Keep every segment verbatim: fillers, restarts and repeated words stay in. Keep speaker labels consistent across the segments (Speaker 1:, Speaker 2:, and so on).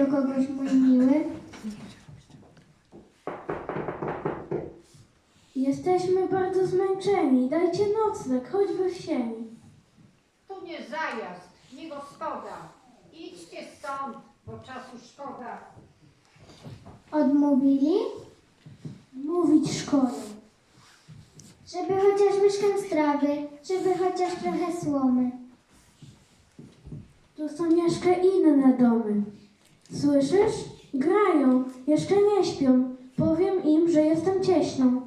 Speaker 1: kogoś, mój miły?
Speaker 2: Jesteśmy bardzo zmęczeni. Dajcie nocleg, choćby w sieni.
Speaker 3: Tu nie zajazd, nie gospoda. Idźcie stąd, bo czasu szkoda.
Speaker 1: Odmówili?
Speaker 2: Mówić szkoda.
Speaker 1: Żeby chociaż łyżkę strawy, żeby chociaż trochę słomy.
Speaker 2: Tu są jeszcze inne domy. Słyszysz? Grają, jeszcze nie śpią. Powiem im, że jestem cieśną.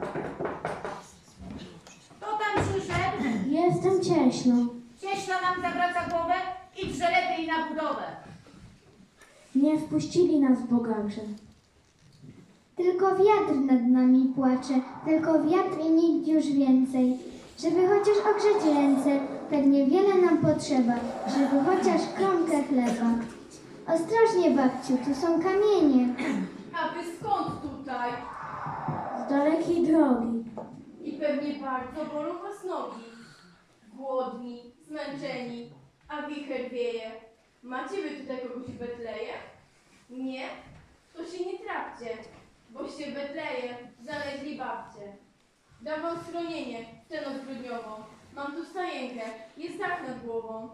Speaker 4: Kto tam przyszedł?
Speaker 2: Jestem cieśną.
Speaker 4: Cieśla nam zawraca głowę, idźże lepiej na budowę.
Speaker 2: Nie wpuścili nas bogacze.
Speaker 1: Tylko wiatr nad nami płacze, tylko wiatr i nikt już więcej. Żeby chociaż ogrzeć ręce, tak niewiele nam potrzeba, żeby chociaż kromkę chleba. Ostrożnie, babciu, tu są kamienie.
Speaker 4: A wy skąd tutaj?
Speaker 2: Z dalekiej drogi.
Speaker 4: I pewnie bardzo bolą was nogi. Głodni, zmęczeni, a wicher wieje. Macie wy tutaj kogoś w Betleje? Nie? To się nie trafcie, boście w Betleje znaleźli babcie. Dam wam schronienie w tę noc grudniową. Mam tu stajenkę, jest dach nad głową.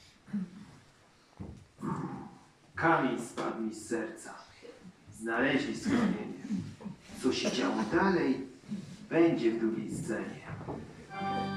Speaker 5: Kamień spadł mi z serca. Znaleźli schronienie. Co się działo dalej, będzie w drugiej scenie.